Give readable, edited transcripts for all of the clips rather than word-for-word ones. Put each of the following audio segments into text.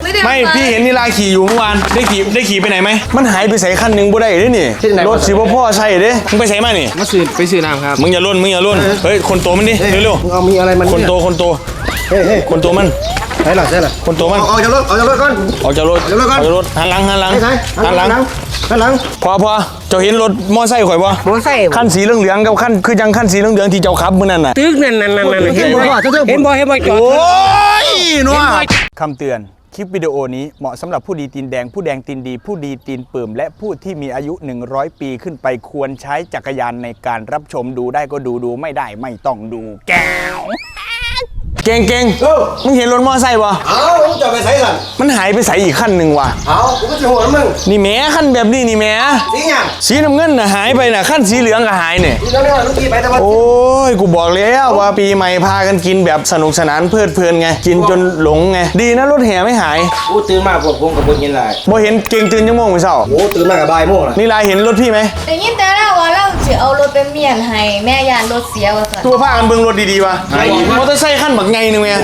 ไม่พี่เห็นนิลาขี่อยู่เมื่อวานได้ขี่ไปไหนไหมมันหายไปใส่คันหนึ่งบ่ได้ด้วยนี่รถสิบ่พ่อใช่เด้มึงไปใส่มานี่ไปซื้อน้ำครับมึงอย่าล้นเฮ้ยคนโตมันดิเร็วๆเอามีอะไรมันคนโตเฮ้ยคนโตมันใช่หรอคนโตมันออกจากรถก่อนออกจากรถหันหลังหันหลังพอเจ้าเห็นรถมอไซค์ข่อยบ่มอไซค์ขั้นสีเหลืองกับขั้นคือยังขั้นสีเหลืองที่เจ้าขับมื้อนั้นน่ะตึกนั่นเห็นบ่จอดโอ้ยนัวคำเตือนคลิปวิดีโอนี้เหมาะสำหรับผู้ดีตีนแดงผู้แดงตีนดีผู้ดีตีนเปิ่มและผู้ที่มีอายุ100 ปีขึ้นไปควรใช้จักรยานในการรับชมดูได้ก็ดูไม่ได้ไม่ต้องดูแก้วเก่งมึงเห็นรถมอไซค์ป่ะมึงจะไปใส่สั่นมันหายไปใส่อีกขั้นหนึ่งว่ะกูก็จะหัวมึงนี่แม่ขั้นแบบนี้นี่แม่สีน้ำเงินน่ะหายไปน่ะขั้นสีเหลืองก็หายเนี่ยโอ้ยกูบอกแล้วว่าปีใหม่พากันกินแบบสนุกสนานเพลิดเพลินไงกินจนหลงไงดีนะรถแห่ไม่หายกูตื่นมาพวกผมกับพวกยินไรบ่เห็นเก่งตื่นยังโมงไม่เศร้าโอ้ตื่นมากับบ่ายโมงนี่ลายเห็นรถพี่ไหมแต่ยินแต่แล้วว่าเราจะเอารถไปเมียนให้แม่ยานรถเสียว่าสันตัวผ้ากันเบิ่งรถดีๆว่ะมอเตอร์ไซค์ขั้นบักไงนึงแม่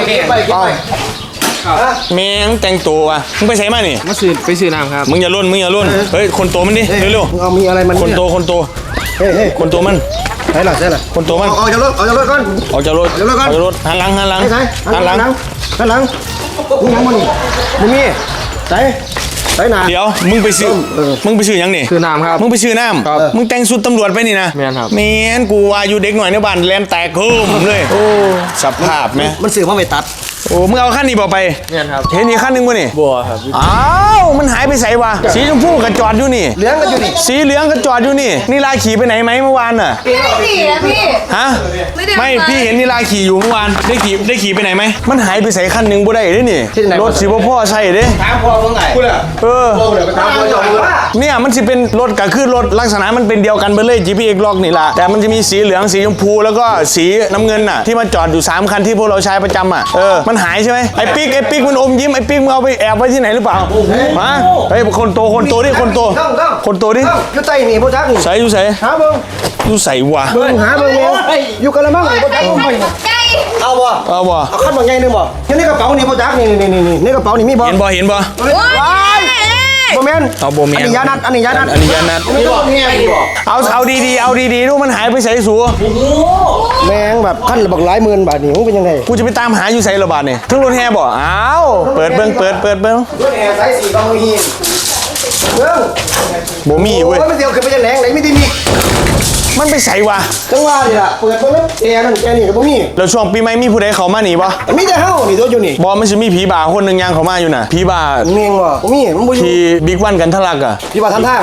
แม่งแต่งตัวอ่ะมึงไปใส่มานี่ไปซื้อน้ำครับมึงอย่าล้นเฮ้ยคนโตมันดิเร็วเอามีอะไรมันคนโตเฮ้ยคนโตมันใช่หรอคนโตมันออกจากรถก่อนออกจากรถหันหลังมึงยังมึงมีใส่หนาเดี๋ยวมึงไปซื้อยังนี่ซื้อน้ำครับมึงไปซื้อน้ำมึงแต่งชุดตำรวจไปนี่นะแม่นครับแม่นกูว่าอยู่เด็กหน่อยในบ้านแลนแตกคืมเลยโอ้สภาพไหมมันสื่อว่าไปตัดโอ้มึงเอาขั้นนี้บอกไปเนี่ยครับเห็นอีกขั้นหนึ่งวะนี่บัวครับอ้าวมันหายไปใส่วะสีชมพูกระจอดอยู่นี่เหลืองก็อยู่นี่สีเหลืองกระจอดอยู่นี่นิลาขี่ไปไหนไหมเมื่อวานน่ะไม่ได้ขี่นะพี่ฮะไม่พี่เห็นนิลาขี่อยู่เมื่อวานได้ขี่ไปไหนไหมมันหายไปใส่ขั้นหนึ่งบ่ได้ด้วยนี่รถสิบ่พ่อใช่เด้ถามพ่อมึงไงไปถามพ่อจอดเนี่ยมันจะเป็นรถก็คือรถลักษณะมันเป็นเดียวกันไปเลย GPX ล็อกนี่แหละแต่มันจะมีสีเหลืองสีชมพูแล้วก็สีน้ำเงินน่ะที่มาจอดอยู่3คันที่พวกเราใช้ประจำอ่ะมันหายใช่ไหมไอ้ปิ๊กมันอมยิ้มไอ้ปิ๊กมึงเอาไปแอบไว้ที่ไหนหรือเปล่ามาเฮ้ยคนโตดิคนโตดิอยู่ใต้นี่พ่อจักใส่อยู่ใส่หาเบิ้งอยู่ใส่วะหาเบิ้งอยู่กันละมั้งพ่อจักเอาบ่เอาขั้นบางไงนึงบ่ในกระเป๋านี่พ่อจักนี่ในกระเป๋านี่มีบ่เห็นบ่โบแมนเอาโบแมนอันนี้ยานัดเอาดีดูมันหายไปใส่สูแมงแบบขั้นบักหลายหมื่นบาทนี่มึงเป็นยังไงกูจะไปตามหาอยู่ใส่ระบาดนี่ทั้งรถแห่บ่อ้าวเปิดเบิ้งรถแห่ใส่สีบางหินเบิ้งโบมี่เว้ยมันเดียวขึ้นไปจะแหลงไหนไม่ได้มีมันไปใส่วะจังหวะนี่ล่ะเปิดเบิ้งแอร์นั่นแอร์นี่ก็บ่มีแล้วช่วงปีใหม่มีผู้ใดเข้ามาหนีบ่มีแต่เฮานี่ตัวอยู่นี่บ่มันสิมีผีบ่าคนนึงย่างเข้ามาอยู่น่ะผีบ่าเมงบ่มีมันบ่อยู่ที่บิ๊กวันกันทะลักอ่ะผีบ่าทำท่า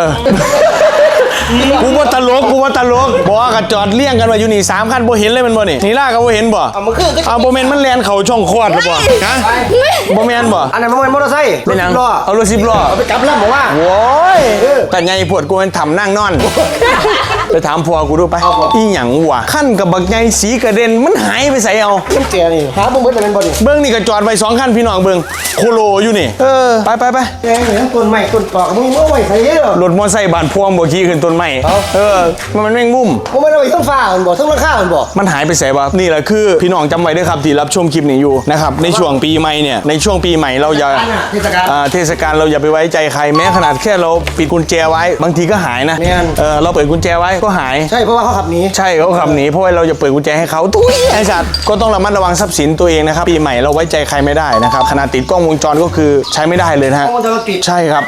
กูว่าตลกบอกว่าจอดเลี้ยงกันมาอยู่นี่3คันบ่เห็นเลยมันบ่นี่ล่าก็บ่เห็นบ่เอาบ่แม่นมันแล่นเข้าช่องคลอดหรือบ่ฮะบ่แม่นบ่อันนั้นมันมอเตอร์ไซค์รถ10 ล้อเอารถ10 ล้อเอาไปกลับลำบอกว่าโว้ยแต่ไงปวดกูมันทำนั่งนอนไปถามพ่อกูดูไปอีหยังวะขั้นกับบักไงสีกระเด็นมันหายไปใส่เอามันแก่นี่หาบ่เบิดแล้วแม่นบ่นี่เบิ่งนี่ก็จอดไว้2คันพี่น้องเบิ่งโคโลอยู่นี่ไปแกงเหมือนต้นไม้ต้นตอกมึงเอาไว้ใส่เด้อรถมอไซค์บ้านพวงบ่ขี่ขึ้นต้นไม้มันแม่งมุมบ่แม่นเอาไว้ทั้งฟ้ามันบ่ทั้งราคามันบ่มันหายไปใส่บ่นี่แหละคือพี่น้องจำไว้ด้วยครับที่รับชมคลิปนี้อยู่นะครับในช่วงปีใหม่เนี่ยในช่วงปีใหม่เราอย่าเทศกาลเราอย่าไปไว้ใจใครแม้ขนาดแค่เราปิดกุญแจไว้บางทีก็หายนะเราเปิดกุญแจไว้ก็หายใช่เพราะว่าเขาขับหนีใช่เขาขับหนีเพราะว่าเราจะเปิดกุญแจให้เขาทุยไอ้สัตว์ก็ต้องระมัดระวังทรัพย์สินตัวเองนะครับปีใหม่เราไว้ใจใครไม่ได้นะครับขนาดติดกล้องวงจรก็คือใช้ไม่ได้เลยนะฮะใช่ครับ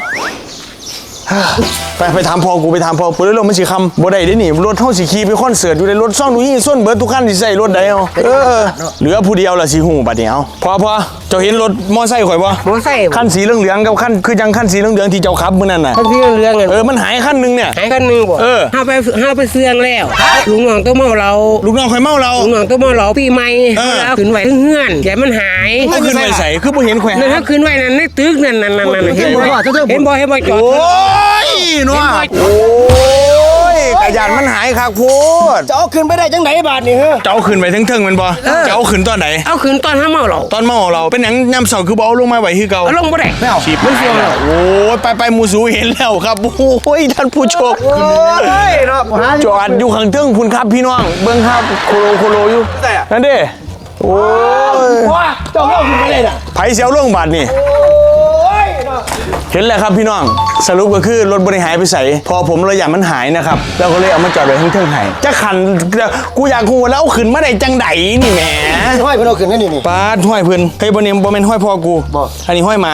ไปถามพ่อกูเรื่องมันสิคำบ่ได้ได้หนิรถเท่าสิขี่ไปคอนเสิร์ตอยู่ในรถซ่องดูยี่ส้นเบิร์ดทุกขั้นที่ใส่รถได้เอาเหลือผู้เดียวละสิหูบัดเดียวพอเจ้าเห็นรถมอไซค์ข่อยบ่มอไซค์ขั้นสีเหลืองกับขั้นคือยังขั้นสีเหลืองที่เจ้าขับมื้อนั้นน่ะขั้นสีเหลืองมันหายขั้นนึงเนี่ยหายขั้นนึงบ่ห้าไปเสื่องแล้วลุงน้องตัวเมาเราลุงน้องข่อยเมาเราลุงน้องตัวเมาเราปีใหม่แล้วขึ้นไว้เฮือนแกมันหายมันขึ้นไว้ใส่คือบ่เห็นแขวนนั่นขึ้นไว้นั่นในตึกนั่นเห็นบ่จอดโอ้ยนัวโอ้ยกระยานมันหายคักพูดจะเอาขึ้นไปได้จังไหนบาทนี่เจ้าขึ้นไปถึงมันบ่เจ้าขึ้นตอนไหนเอาขึ้นตอนเมาเราตอนเมาเราเป็นหยังย่ำเสาคือบ่เอาลงมาไว้คือเก่าลงบ่ได้ไม่เอาฉีบไม่เชื่อแล้วโอ้ยไปมูสูเห็นแล้วครับโอ้ยท่านผู้ชมจอดอยู่ข้างเทิงคุณครับพี่น้องเบิ้งครับโคโลอยู่นั่นดิโอ้ยว้าเจ้าเล่าขึ้นมาเลยน่ะไผเสียวลงบาทนี่โอ้ยเนาะเห็นแล้วครับพี่น้องสรุปก็คือรถบริหายไปใส่พอผมเราอยากมันหายนะครับแล้วก็เลยเอามาจอดไว้ข้างเทิงไห้จะขันกูอยากกูแล้วเอาขึ้นมาได้จังไดนี่แหมห้อยเพิ่นเอาขึ้นกันนี่นี่ปาดห้อยเพิ่นเฮ้ยบ่เนี่ยบ่แม่นห้อยพ่อกูบ่อันนี้ห้อยหมา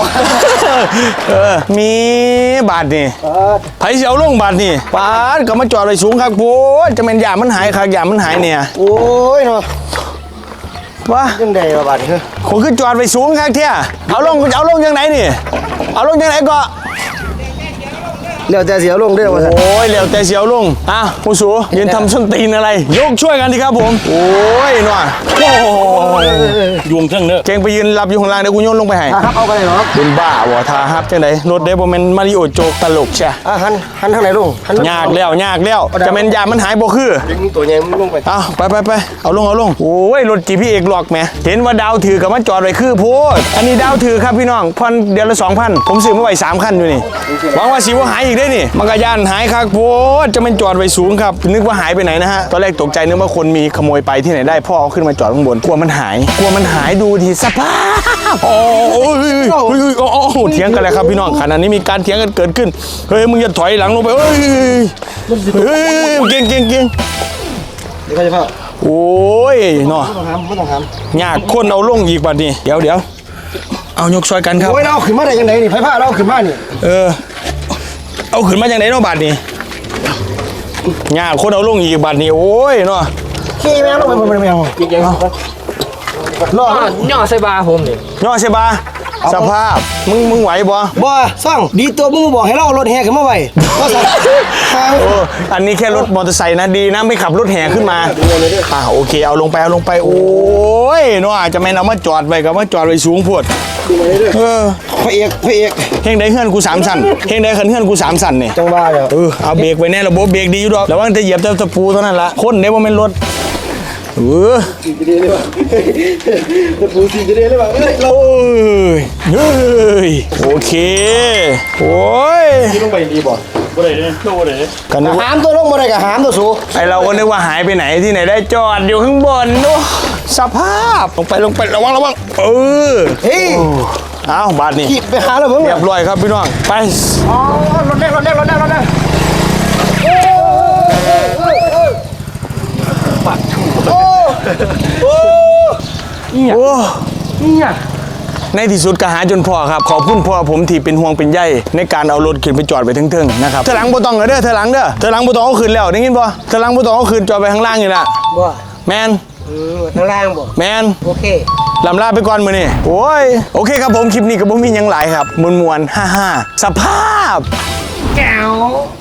มีบาทนี่ไผสิเอาลงบาทนี่ปาดก็มาจอดไว้สูงครับโพดจะแม่นยามันหายครับยามันหายเนี่ยโอ้ยเนาะว่าจังได๋ว่าบาดนี้ผมคือจอดไปสูงครับเที่ยเอาลงยังไงนี่เอาลงยังไงก็แล้วแต่เสียวลงเด้อว่าซั่นโอ้ยเหลวแต่เสียวลงอ่ะผู้สูยืนทำส้นตีนอะไร ยกช่วยกันดีครับผมโอ้ยหน่อยโอ้ยวงเทิงเนอะเก่งไปยืนรับอยู่ข้างล่างเดี๋ยวกูโยนลงไปให้ครับเอาไปเลยเนาะเป็นบ้าวะทาครับจังไดรถเดบแมนมาริโอโจกตลกใช่หันทางไหนลงหันยากแล้วจะแมนยามันหายบ่คือดึงตัวใหญ่มันลงไปเอาไปเอาลงโอ้ยรถจีพีเอกหลอกแหมเห็นว่าดาวถือกับมาจอดไว้คือโพดอันนี้ดาวถือครับพี่น้องพันเดือนละ 2,000 ผมซื้อมาไว้3 คันอยู่นี่หวังว่าสิว่าหายอีกได้นี่มันก็ย่านหายครับโพดจะมันจอดไว้สูงครับนึกว่าหายไปไหนนะฮะตอนแรกตกใจนึกว่าคนมีขโมยไปที่ไหนได้พ่อเอาขึ้นมาจอดข้างบนกลัวมันหายดูทีสภาพโอ้โหเถียงกันเลยครับพี่น้องขณะนี้มีการเถียงกันเกิดขึ้นเฮ้ยมึงอย่าถอยหลังลงไปเฮ้ยเก่งเดี๋ยวเขาจะพาโอ้ยเนาะไม่ต้องถามยากคนเอาลงอีกบัดนี้เดี๋ยวเอายกซอยกันครับโอ้ยเราขึ้นมาได้ยังไงนี่ไผพาเราขึ้นมานี่เอาขึ้นมาจากไหนเนาะบัดนี้ยากคนเอาลงอีกบัดนี้โอ้ยเนาะขี่แมวลงไปแมวจริงๆรอย่อใส่บาผมนี่ย่อใช่ปะสภาพมึงไหวบ่บ่ซ่องดีตัวมึงบอกให้เรารถแห่ขึ้นมาไว้ก็สั่งโอ้อันนี้แค่รถมอเตอร์ไซค์นะดีนะไม่ขับรถแห่ขึ้นมาโอเคเอาลงไปโอ้ยเนาะจะแม่นเอามาจอดไว้กับมาจอดไว้สูงพวดพระเอกเฮงได้เฮือนกู3 สั่นเฮงได้เฮือนกู3 สั่นนี่จังว่าเดี๋ยวเอาเบรกไว้แน่ระบบเบรกดีอยู่ดอกแล้วว่าจะเหยียบตะปูเท่านั้นละคนเดี๋ยวว่าเป็นรถสีจะได้เลยว่ะตะปูสีจะได้เลยว่ะเราเฮ้ยโอเคโอ้ยลงไปดีบ่กันนึกว่าหามตัวลงบ่ได้ก็หามตัวสูไอเราก็นึกว่าหายไปไหนที่ไหนได้จอดอยู่ข้างบนดูสภาพลงไประวังเฮ้ยเอาบาทนี่ขี่ไปหาแล้วมึงเรียบร้อยครับพี่น้องไปอ๋อรถแดงโอ้ในที่สุดก็หาจนพอครับขอบคุณพ่อผมที่เป็นห่วงเป็นใยในการเอารถขึ้นไปจอดไปเทิงๆนะครับเธอหลังบ่ต้องเด้อเธอหลังบ่ต้องเอาขึ้นแล้วได้ยินบ่เธอหลังบ่ต้องเอาขึ้นจอดไปข้างล่างอยู่ละบ่แมนข้างล่างบ่แมนโอเคลำลาไปก่อนมื้อนี้โอ้ยโอเคครับผมคลิปนี้ก็บ่มีหยังหลายครับมวนๆฮ่าๆสภาพแก้ว